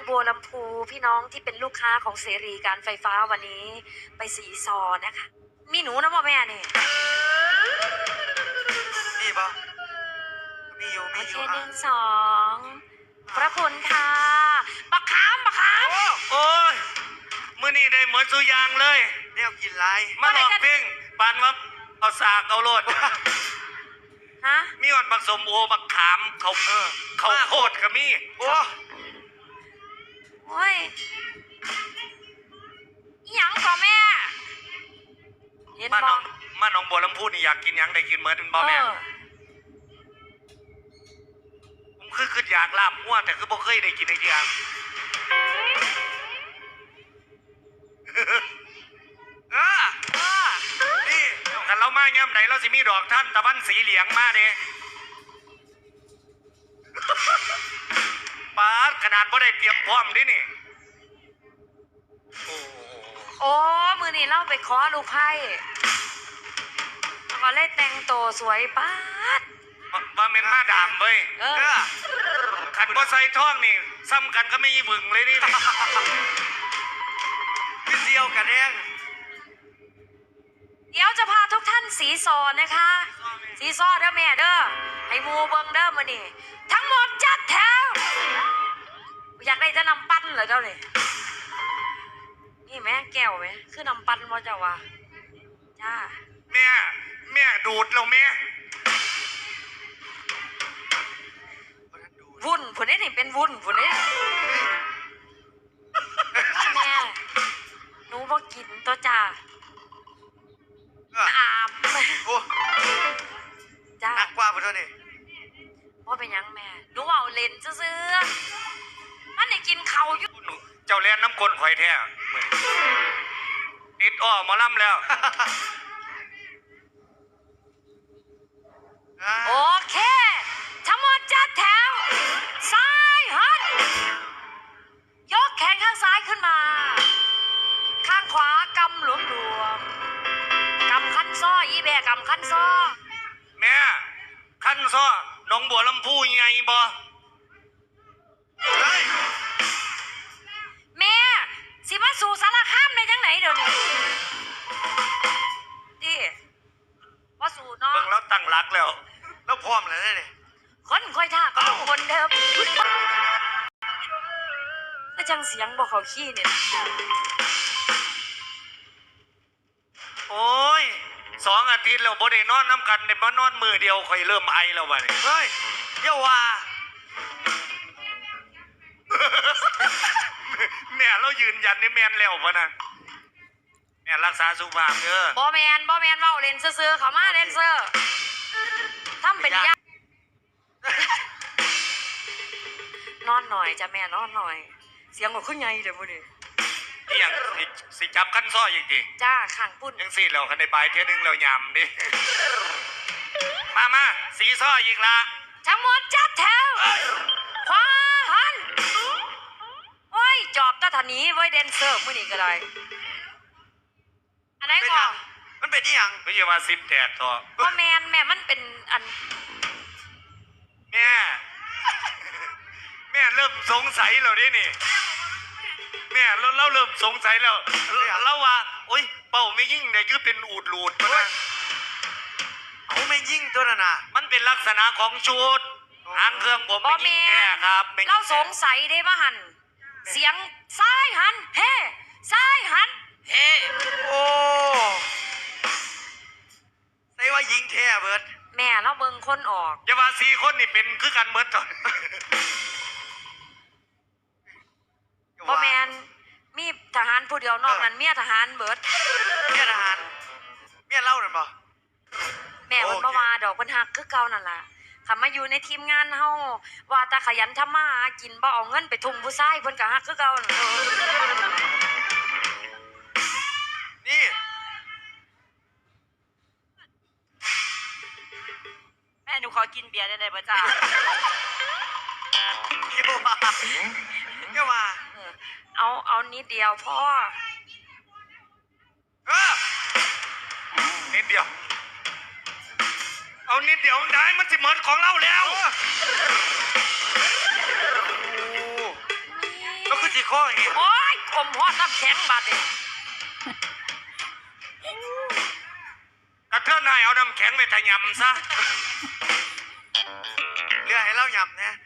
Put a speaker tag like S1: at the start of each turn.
S1: บัวลำพูพี่น้องที่เป็นลูกค้าของเสรีการไฟฟ้าวันนี้ไปสีซอนะคะ มีหนูนะพ่อแม่นี่
S2: มีปะมีอยู่
S1: โอเค
S2: อ่ะ
S1: 1 2พระคุณค่ะบักขาม
S3: โอ้ยมื้อนี้ได้เหมือนสุยางเลย
S2: เนี่ยกินไร
S3: มาลองเพลงปานว่าเอาสากเอาโลด
S1: ฮะ
S3: มีอ่อนบักสมโอบักขามเขาโคตรก็มี
S2: โอ้
S1: ยหยังก่อแม่เห็น
S3: มา
S1: บ
S3: น้
S1: อ
S3: องมาน้องบัวลำพูนี่อยากกินหยังได้กินเหมือนบ่แม่ผมคืออยากลาบมั่วแต่คือบ่เคยได้กินไอ้อย่างนี่คันเรามาย่ำไหนเราสิมีดอกท่านตะวันสีเหลียงมาเด้ปาดขนาดบ่ได้เตรียมพร้อมดินี่
S1: โอ้มือนี่เล่าไปขอลูกไพ่ขอเล่แต่งตัวสวยป้าด
S3: มาเมนมาดามเว้ยขันบ่ใส่ท่องนี่ซ้ำกันก็ไม่บึงเลยนี่
S2: พี่เดียวกันเอง
S1: เดี๋ยวจะพาทุกท่านสีซอนะคะสีซอเด้อแม่เด้อให้มูเบิงเด้อมานี่ทั้งหมดจัดแถวอยากได้จะนำปั้นเหรอเจ้าเนี่ยนี่แม่แก้วไหมคือนำปั้นว่าเจ้าวะจ้า
S3: แม่ดูดเราแม่
S1: วุ่นผุนนี่เป็นวุ่นผุนนี่แม่หนูบอกกินตัวจ้าอาบ
S2: โอ้
S1: จ้า
S2: หนักกว่าไปเท่านี้
S1: ว่าเป็นยังแม่หนูเอาเลนซื้อมันได้กินเขาอยู่
S3: เจ้าเลี้ยนน้ำกลข่อยแท้ติดอ้อมาล่ำแล้ว
S1: โอเคทั้งหมดจัดแถวซ้ายหันยกแขนข้างซ้ายขึ้นมาข้างขวากำหลวมกำคันซ้ออีแบกำคันซ้อ
S3: แม่คันซ้อน้องบัวลำพูใหญ่บ่
S1: แม่สิมาสู่สารคามในจังไหนเดี๋ยวนี้ดิว่าสู่เนาะ
S3: เบิ่งแล้วตั้งรักแล้ว
S2: พร้อมแล้วเนี่ย
S1: คนค่อยท่าก็ต้องคนเดิมแต่จังเสียงบอกเขาขี้เนี่ย
S3: โอ้ย2 อาทิตย์แล้วบ่ได้นอนน้ำกันได้มานอนมือเดียวค่อยเริ่มไอแล้ววะนี่
S2: เฮ้ยเดี๋ยวว่า
S3: แม่เรายืนยันในแมนแล้วปะนะแม่รักษาสุขภาพเด้
S1: อบอแมนเว้าเล่นซื่อๆเขามาเล่นเซอร์ทำเป็นยากนอนหน่อยจ้ะแม่นอนหน่อยเสียงของขึ้นไงเดี๋ยวพอดี
S3: นี่ยังสิจับขั้นซ้ออีกดิ
S1: จ้าขังปุ่น
S3: ยังสิเราคันในปลายเท่านึงเรายำดิมาสีซ้ออีกละ
S1: ทั้งหมดจัดแถวขวาหันโอ้ยจอบตะทันนี้ไว้เดนเซอร์มื้อนี้ก็ได้อันไหนก่อน
S2: มันเป็นยัง
S3: ไม่ใช่ว่า10 แตกต่อ
S1: พ่อแม่มันเป็นอัน
S3: แม่เริ่มสงสัยแล้วดินี่แม่เราเริ่มสงสัยแล้วเราว่าโอ๊ยเป่าไม่ยิ่งเนี่ยคือเป็นอูดหลุดมานะ
S2: เขาไม่ยิ่งตัวน่ะนะ
S3: มันเป็นลักษณะของชุดหางเครื่องผมไม่ยิ่งแค่ครับ
S1: เราสงสัยได้ว่าหันเสียงซ้ายหันเฮ้ซ้ายหันเฮ้
S2: โอ้ใส่ว่ายิงแท้เบิร์ด
S1: แม่เราเบิ่งคนออก
S3: อย่าว่า4 คนนี่เป็นคือกันเบิร์ดตอน
S1: พ่อแมนมีทหารผู้เดียวนอกนั้นเมียทหารเบิร์ด
S2: เมียทหารเมียเล่าหน่อยบ่
S1: แม่มันมาดอกเพิ่นฮักคือเก่านั่นล่ะคำมาอยู่ในทีมงานเฮาว่าตาขยันทำมาหากินบ่เอาเงินไปทุ่มผู้ชายเพิ่นก็ฮักคือเก่า
S2: นี่
S1: แม่หนูขอกินเบียร์ได้ป่ะจ้า
S2: เกี่ยวมา
S1: เอานิดเดียวพ่อ
S3: นิดเดียวเอานิดเดียวได้มันสิเหมือนของเราแล้วเราคือ
S2: ข้อเห็น
S1: โอ้ยอมฮอดน้ำแข็งบาดเอง
S3: กระเทือนให้เอาน้ำแข็งไปทะยำซะ
S2: เรือให้เล่าหยำนะ